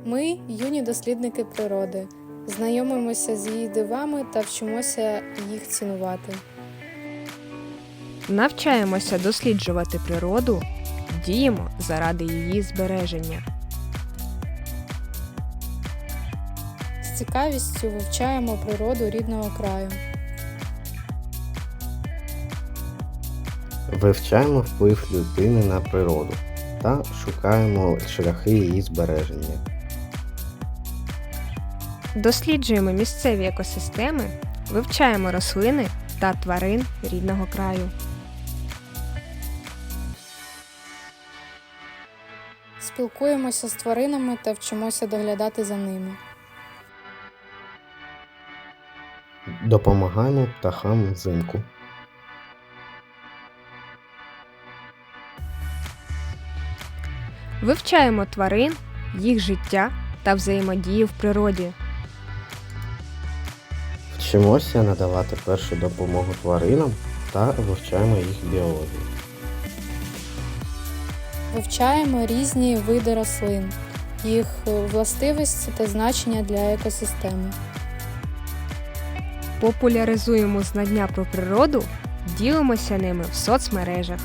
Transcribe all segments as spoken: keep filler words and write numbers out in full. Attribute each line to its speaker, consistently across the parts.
Speaker 1: Ми – юні дослідники природи, знайомимося з її дивами та вчимося їх цінувати.
Speaker 2: Навчаємося досліджувати природу, діємо заради її збереження.
Speaker 1: З цікавістю вивчаємо природу рідного краю.
Speaker 3: Вивчаємо вплив людини на природу та шукаємо шляхи її збереження.
Speaker 2: Досліджуємо місцеві екосистеми, вивчаємо рослини та тварин рідного краю.
Speaker 1: Спілкуємося з тваринами та вчимося доглядати за ними.
Speaker 3: Допомагаємо птахам взимку.
Speaker 2: Вивчаємо тварин, їх життя та взаємодію в природі.
Speaker 3: Вчимося надавати першу допомогу тваринам та вивчаємо їх біологію.
Speaker 1: Вивчаємо різні види рослин, їх властивості та значення для екосистеми.
Speaker 2: Популяризуємо знання про природу, ділимося ними в соцмережах.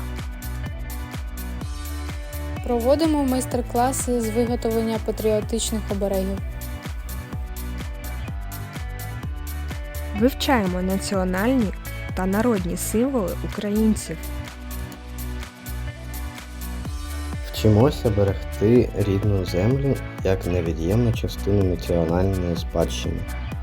Speaker 1: Проводимо майстер-класи з виготовлення патріотичних оберегів.
Speaker 2: Вивчаємо національні та народні символи українців.
Speaker 3: Вчимося берегти рідну землю як невід'ємну частину національної спадщини.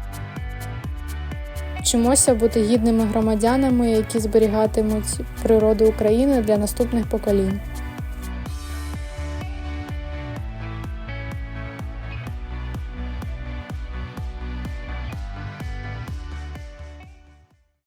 Speaker 1: Вчимося бути гідними громадянами, які зберігатимуть природу України для наступних поколінь.